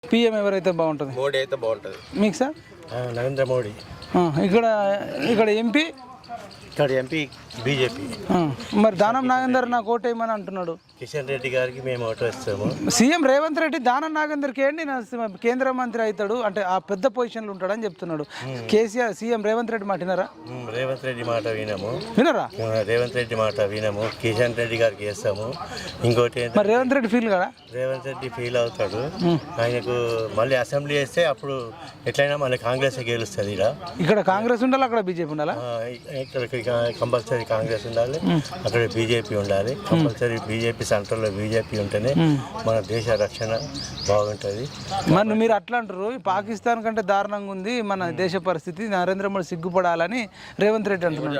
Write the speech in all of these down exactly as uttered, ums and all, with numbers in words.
PM ఎవరైతే బాగుంటుంది? మోడీ అయితే బాగుంటుంది. మీకు సార్? నరేంద్ర మోడీ. ఇక్కడ ఇక్కడ ఎంపీ ఇక్కడ ఎంపీ బీజేపీ. మరి దానం నాగేందర్ నాకు ఓటేయమని అంటున్నాడు. కిషన్ రెడ్డి గారికి మేము ఓటు వేస్తాము. సీఎం రేవంత్ రెడ్డి దానం నాగేందర్కి ఏంటి నా కేంద్ర మంత్రి అవుతాడు అంటే ఆ పెద్ద పొజిషన్లో ఉంటాడని చెప్తున్నాడు. కేసీఆర్ సీఎం రేవంత్ రెడ్డి మాట వినరా? రేవంత్ రెడ్డి మాట వినము. వినరా? రేవంత్ రెడ్డి మాట వినము. కిషన్ రెడ్డి గారికి వేస్తాము. ఇంకోటి మరి రేవంత్ రెడ్డి ఫీల్ కదా? రేవంత్ రెడ్డి ఫీల్ అవుతాడు. ఆయనకు మళ్ళీ అసెంబ్లీ వేస్తే అప్పుడు ఎట్లయినా మళ్ళీ కాంగ్రెస్ గెలుస్తుంది. ఇక్కడ కాంగ్రెస్ ఉండాలి, అక్కడ బీజేపీ ఉండాలా? ఇక్కడ కంపల్సరీ కాంగ్రెస్ ఉండాలి, అక్కడ బీజేపీ ఉండాలి. కంపల్సరీ బీజేపీ సెంటర్లో బీజేపీ ఉంటేనే మన దేశ రక్షణ బాగుంటుంది. మరి మీరు అట్లా అంటారు, పాకిస్తాన్ కంటే దారుణంగా ఉంది మన దేశ పరిస్థితి, నరేంద్ర మోడీ సిగ్గుపడాలని రేవంత్ రెడ్డి అంటున్నాడు.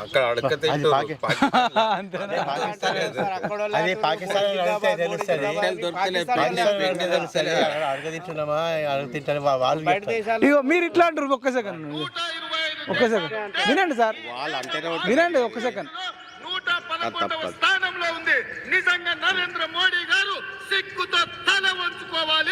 ఇగో మీరు ఇట్లా అంటారు. ఒక్క సెకండ్ ఒక్క సెకండ్ వినండి సార్, వినండి ఒక్క సెకండ్. స్థానంలో ఉంది. నిజంగా నరేంద్ర మోడీ గారు సిగ్గుతో తల వంచుకోవాలి.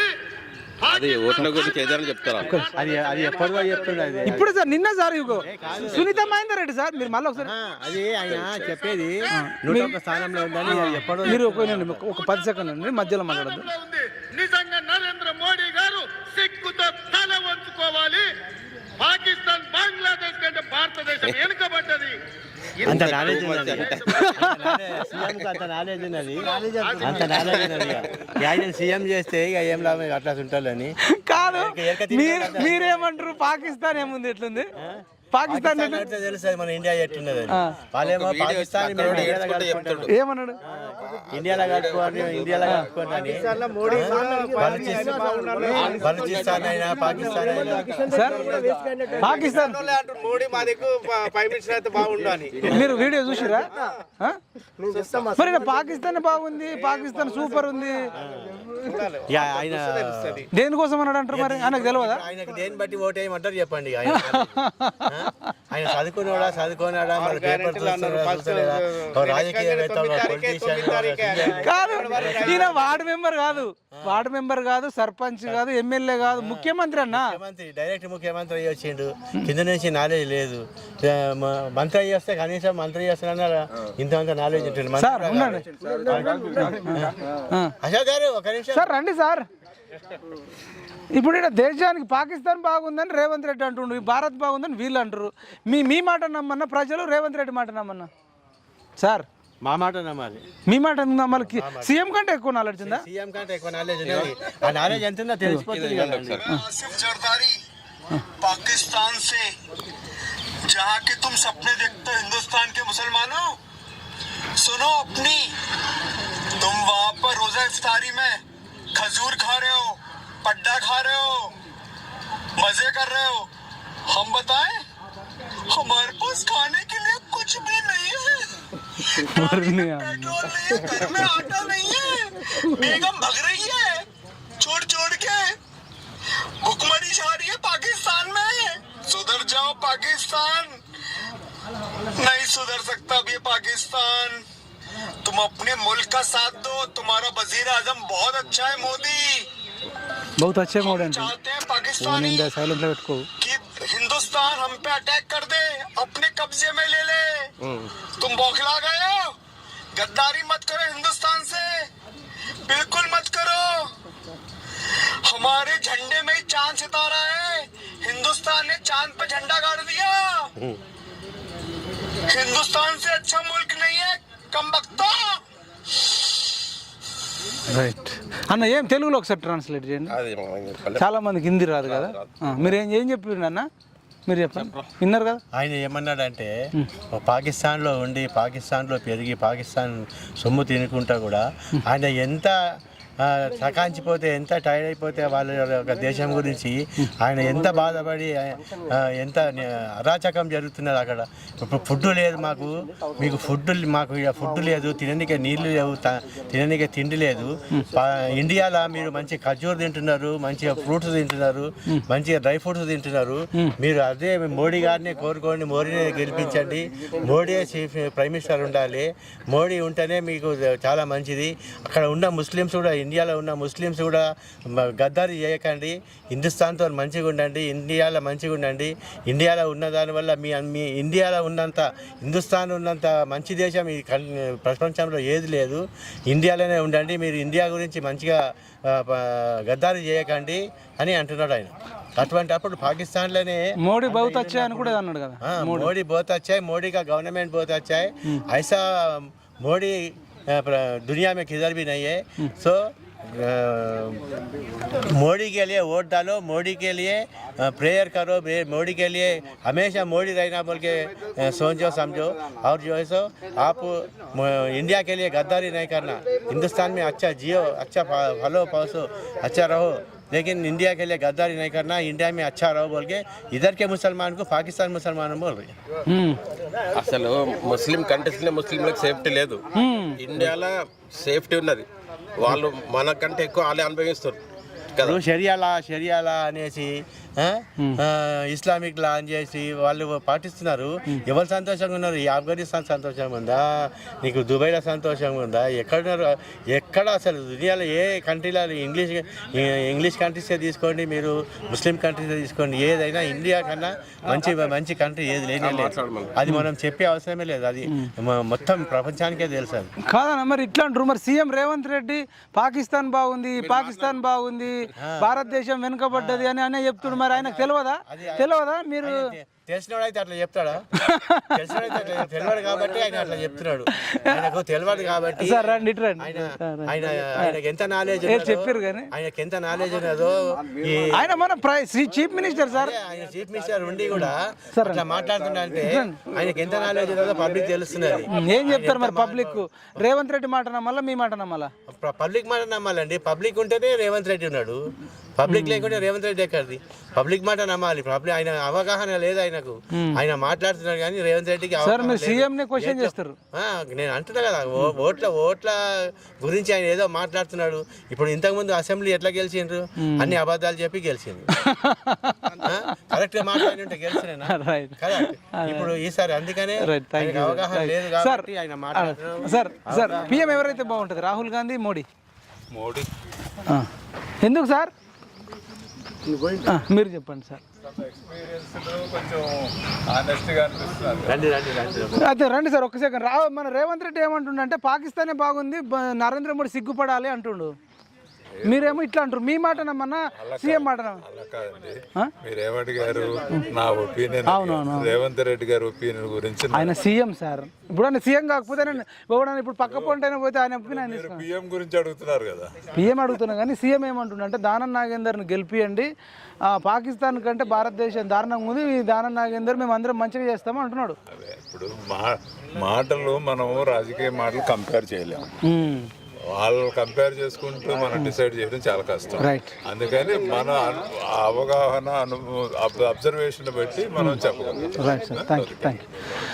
ఇప్పుడు సార్ నిన్న సార్ ఇగో సునీత మహేందర్ రెడ్డి సార్, మీరు మళ్ళీ ఒకసారి అది ఆయన చెప్పేది స్థానంలో ఉందని ఎప్పుడు మీరు ఒక పది సెకండ్ అండి మధ్యలో మాట్లాడద్దు. నిజంగా నరేంద్ర మోడీ గారు సిగ్గుతో తల వంచుకోవాలి. పాకిస్తాన్ బంగ్లాదేశ్ కంటే భారతదేశం వెనుకబడ్డది. అంత నాలెడ్జ్ ఉన్నది, అంత నాలెడ్జ్ ఉన్నది, అంత నాలెడ్జ్ ఉన్నది. ఆయన సీఎం చేస్తే ఇక ఏం లాభం అట్లా ఉంటాలని కాదు. మీరేమంటారు? పాకిస్తాన్ ఏముంది, ఎట్లుంది పాకిస్తాన్ తెలుస్తుంది మన ఇండియా ఎట్లున్నది. వాళ్ళేమో పాకిస్తాన్ ఏమన్నాడు? ఇండియాలో కట్టుకోండి, ఇండియాలో కట్టుకోండి. బలూచిస్తాన్ అయినా పాకిస్తాన్ అయినా సార్ పాకిస్తాన్ మోడీ మా దగ్గర ఫైవ్ మినిట్స్ అయితే బాగుండు అని మీరు వీడియో చూసిరా? మరి పాకిస్తాన్ బాగుంది, పాకిస్తాన్ సూపర్ ఉంది. ఆయన దేనికోసం అన్నాడు అంటారు? మరి ఆయనకు తెలియదా? ఆయనకు దేని బట్టి ఓటు వేయమంటారు చెప్పండి. ఆయన చదువుకున్నాడా చదువుకున్నాడా మరి పేపర్ కాదు. ఈయన వార్డు మెంబర్ కాదు, వార్డు మెంబర్ కాదు, సర్పంచ్ కాదు, ఎమ్మెల్యే కాదు, ముఖ్యమంత్రి అన్న. ముఖ్యమంత్రి డైరెక్ట్ ముఖ్యమంత్రి అయ్యి వచ్చిండు. కింద నుంచి నాలెడ్జ్ లేదు. మంత్రి అయ్యి వస్తే కనీసం మంత్రి చేస్తున్నా ఇంత నాలెడ్జ్ ఉంటుంది. అశోక్ గారు ఒక నిమిషం సార్ రండి సార్. ఇప్పుడు ఇక్కడ దేశానికి పాకిస్తాన్ బాగుందని రేవంత్ రెడ్డి అంటుండ్రు, భారత్ బాగుందని వీళ్ళు అంటారు. మీ మీ మాట నమ్మన్నా ప్రజలు, రేవంత్ రెడ్డి మాట నమ్మన్నా? సార్ మా మాట నమ్మాలి, మీ మాట నమ్మాలి. సీఎం కంటే ఎక్కువ నాలెడ్జ్ ఉందా? సీఎం కంటే ఎక్కువ నాలెడ్జ్ ఉన్నది. ఆ నాలెడ్జ్ ఎంత ఉందో తెలిసిపోతుంది. पाकिस्तान से जहाँ के तुम सपने देखते हो हिंदुस्तान के मुसलमानों, सुनो अपनी, तुम वहाँ पर रोजा इफ्तारी में खजूर खा रहे हो, पड्डा खा रहे हो, मजे कर रहे हो. हम बताएं, हमारे पास खाने के लिए कुछ भी नहीं है. पेट्रोल नहीं है, घर में आटा नहीं है, बेगम भग रही है छोड़ छोड़ के, भुखमरी छा रही है पाकिस्तान में. सुधर जाओ पाकिस्तान, नहीं सुधर सकता अब ये पाकिस्तान. तुम अपने मुल्क का साथ दो. तुम्हारा वजीर आजम बहुत अच्छा है मोदी, बहुत अच्छे मोड है. चाहते हैं पाकिस्तानी कि हिंदुस्तान हम पे अटैक कर दे, अपने कब्जे में ले ले. तुम बौखला गए हो. गद्दारी मत करो हिंदुस्तान से, बिल्कुल मत करो. हमारे झंडे में ही चांद सितारा है. हिंदुस्तान ने चांद पे झंडा गाड़ दिया. हिंदुस्तान से अच्छा मुल्क नहीं है. कम बख्ता. రైట్ అన్న, ఏం తెలుగులో ఒకసారి ట్రాన్స్లేట్ చేయండి. చాలా మందికి హిందీ రాదు కదా. మీరు ఏం ఏం చెప్పారు అన్న, మీరు చెప్పండి, విన్నారు కదా. ఆయన ఏమన్నాడంటే పాకిస్తాన్లో ఉండి పాకిస్తాన్లో పెరిగి పాకిస్తాన్ సొమ్ము తినుకుంటా కూడా ఆయన ఎంత సకాంచిపోతే, ఎంత టైర్డ్ అయిపోతే వాళ్ళ యొక్క దేశం గురించి ఆయన ఎంత బాధపడి, ఎంత అరాచకం జరుగుతున్నది అక్కడ. ఇప్పుడు ఫుడ్ లేదు మాకు, మీకు ఫుడ్ మాకు ఫుడ్ లేదు, తిననీకే నీళ్లు లేవు, తిననీకే తిండి లేదు. ఇండియాలో మీరు మంచి ఖర్జూర్ తింటున్నారు, మంచిగా ఫ్రూట్స్ తింటున్నారు, మంచిగా డ్రై ఫ్రూట్స్ తింటున్నారు. మీరు అదే మోడీ గారిని కోరుకోండి, మోడీని గెలిపించండి. మోడీ చీఫ్ ప్రైమ్ మినిస్టర్ ఉండాలి. మోడీ ఉంటేనే మీకు చాలా మంచిది. అక్కడ ఉన్న ముస్లిమ్స్ కూడా ఇండియాలో ఉన్న ముస్లిమ్స్ కూడా మ- గద్దారి చేయకండి, హిందుస్థాన్తో మంచిగా ఉండండి, ఇండియాలో మంచిగా ఉండండి. ఇండియాలో ఉన్న దానివల్ల మీ మీ ఇండియాలో ఉన్నంత హిందుస్థాన్ ఉన్నంత మంచి దేశం ఈ కన్- ప్రపంచంలో ఏది లేదు. ఇండియాలోనే ఉండండి, మీరు ఇండియా గురించి మంచిగా ఆ, ప- గద్దారి చేయకండి అని అంటున్నాడు ఆయన. అటువంటి అప్పుడు పాకిస్తాన్లోనే మోడీ బహుత్ అచ్చా అని కూడా అన్నాడు కదా. हाँ मोदी बहुत अच्छा है, मोदी का गवर्नमेंट बहुत अच्छा है. ऐसा मोदी अ, प्र- दुनिया में किधर भी नहीं है. सो अ, मोदी के लिए वोट डालो, मोदी के लिए प्रेयर करो, बे- मोदी के लिए हमेशा मोदी रहना बोल के अ, सोचो समझो. और जो है सो आप म- इंडिया के लिए गद्दारी नहीं करना. हिंदुस्तान में अच्छा जियो, अच्छा फा- फलो पसो, अच्छा रहो, लेकिन इंडिया के लिए गद्दारी नहीं करना, इंडिया में अच्छा रहो बोल के इधर के मुसलमान को पाकिस्तान मुसलमान बोल रहे हैं. హ్మ్. అసలు ముస్లిం కంట్రీస్ లో ముస్లింలకు సేఫ్టీ లేదు. ఇండియాలో సేఫ్టీ ఉన్నది. వాళ్ళు మనకంటే ఎక్కువ వాళ్ళే అనుభవిస్తారు కదా. ఇప్పుడు షరియా లా షరియా లా అనేసి ఆ, ఆ, ఇస్లామిక్ లా అని చేసి వాళ్ళు పాటిస్తున్నారు. ఎవరు సంతోషంగా ఉన్నారు? ఈ ఆఫ్ఘనిస్తాన్ సంతోషంగా ఉందా? నీకు దుబాయ్లో సంతోషంగా ఉందా? ఎక్కడున్నారు? ఎక్కడ అసలు దునియాలో ఏ కంట్రీలో ఇంగ్లీష్ ఇంగ్లీష్ కంట్రీసే తీసుకోండి, మీరు ముస్లిం కంట్రీసే తీసుకోండి, ఏదైనా ఇండియా కన్నా మంచి మంచి కంట్రీ ఏది లేనే లేదు. అది మనం చెప్పే అవసరమే లేదు. అది మ- మొత్తం ప్రపంచానికే తెలుసు అది. కాదన్న మరి ఇట్లా అంటారు. మరి సీఎం రేవంత్ రెడ్డి పాకిస్తాన్ బాగుంది, పాకిస్తాన్ బాగుంది, భారతదేశం వెనుకబడ్డది అని అనే చెప్తుడు. మరి ఆయనకు తెలియదా? తెలియదా? మీరు తెలిసినవాడైతే అట్లా చెప్తాడా? తెలిసినవాడైతే అట్లా తెలియదు కాబట్టి ఆయన అట్లా చెప్తున్నాడు. ఆయనకు తెలియదు కాబట్టి సార్ రండి ఇటు రండి. ఆయన ఆయన ఆయనకి ఎంత నాలెడ్జ్ చెప్పారు కానీ ఆయనకి ఎంత నాలెడ్జ్ ఉన్నదో ఈ ఆయన మన ప్ర- చీఫ్ మినిస్టర్ సార్. ఆయన చీఫ్ మినిస్టర్ ఉండి కూడా అట్లా మాట్లాడుతున్నా అంటే ఆయనకి ఎంత నాలెడ్జ్ ఉన్నదో పబ్లిక్ తెలుస్తున్నది. ఏం చెప్తారు మరి పబ్లిక్? రేవంత్ రెడ్డి మాట నమ్మల్లా, మీ మాట నమ్మల్లా? పబ్లిక్ మాట నమ్మాలండి. పబ్లిక్ ఉంటేనే రేవంత్ రెడ్డి ఉన్నాడు. పబ్లిక్ లేకుంటే రేవంత్ రెడ్డి ఎక్కడిది? పబ్లిక్ మాట నమ్మాలి. పబ్లిక్ ఆయన అవగాహన లేదు ఆయనకు. ఆయన మాట్లాడుతున్నాడు కానీ రేవంత్ రెడ్డికి సార్ అవగాహన మీరు లేదు. సీఎం ని క్వశ్చన్ చేస్తారు. ఆ, నేను అంటున్నా కదా, ఓ- ఓట్ల ఓట్ల గురించి ఆయన ఏదో మాట్లాడుతున్నాడు. ఇప్పుడు ఇంతకుముందు అసెంబ్లీ ఎట్లా గెలిచిండ్రు? అన్ని అబద్ధాలు చెప్పి గెలిచిండ్రు. కరెక్ట్ గా మాట్లాడి ఉంటే గెలిచినా రైట్ కదా. ఇప్పుడు ఈసారి అందుకనే రైట్ థ్యాంక్ ఆయనకు యూ. అవగాహన లేదు సార్ కాబట్టి ఆయన మాట్లాడుతున్నాడు. సార్ సార్ పిఎం ఎవరైతే బాగుంటుంది? రాహుల్ గాంధీ, మోడీ? మోడీ ఆ. ఎందుకు సార్? ఆ, మీరు చెప్పండి సార్. రండి రండి రండి అయితే రండి సార్ ఒక్క సెకండ్. రా మన రేవంత్ రెడ్డి ఏమంటుండంటే పాకిస్తానే బాగుంది, బ- నరేంద్ర మోడీ సిగ్గుపడాలి అంటుండు. మీరేమో ఇట్లా అంటారు. మీ మాట నమ్మన్నా, సీఎం మాట నమ్మన్నా? అలా కాదండి. ఆ? మీరేమడిగారు? నా ఒపీనియన్. అవునవును. రేవంత్ రెడ్డి గారి ఒపీనియన్ గురించి ఆయన సీఎం సార్. ఇప్పుడు ఆయన సీఎం కాకపోతే నేను ఎవడన్నా ఇప్పుడు పక్క పొంటైనా పోతే ఆయన ఒపీనియన్ ఆయన తీసుకో. పిఎం గురించి అడుగుతున్నారు కదా. పిఎం అడుగుతున్నా కానీ సీఎం ఏమంటుండంటే దానం నాగేందర్ని గెలిపియండి, ఆ, పాకిస్తాన్ కంటే భారతదేశం దారుణంగా ఉంది, ఈ దానం నాగేందర్ మేము అందరం మంచిగా చేస్తాము అంటున్నాడు. అదే ఇప్పుడు మా మాటలు మనం రాజకీయ మాటలు కంపేర్ చేయలేము. ఉమ్. వాళ్ళు కంపేర్ చేసుకుంటూ మనం డిసైడ్ చేయడం చాలా కష్టం. రైట్. అందుకని మన అను- అవగాహన అను అబ్జర్వేషన్ బట్టి మనం చెప్పగలం. Right sir thank you thank you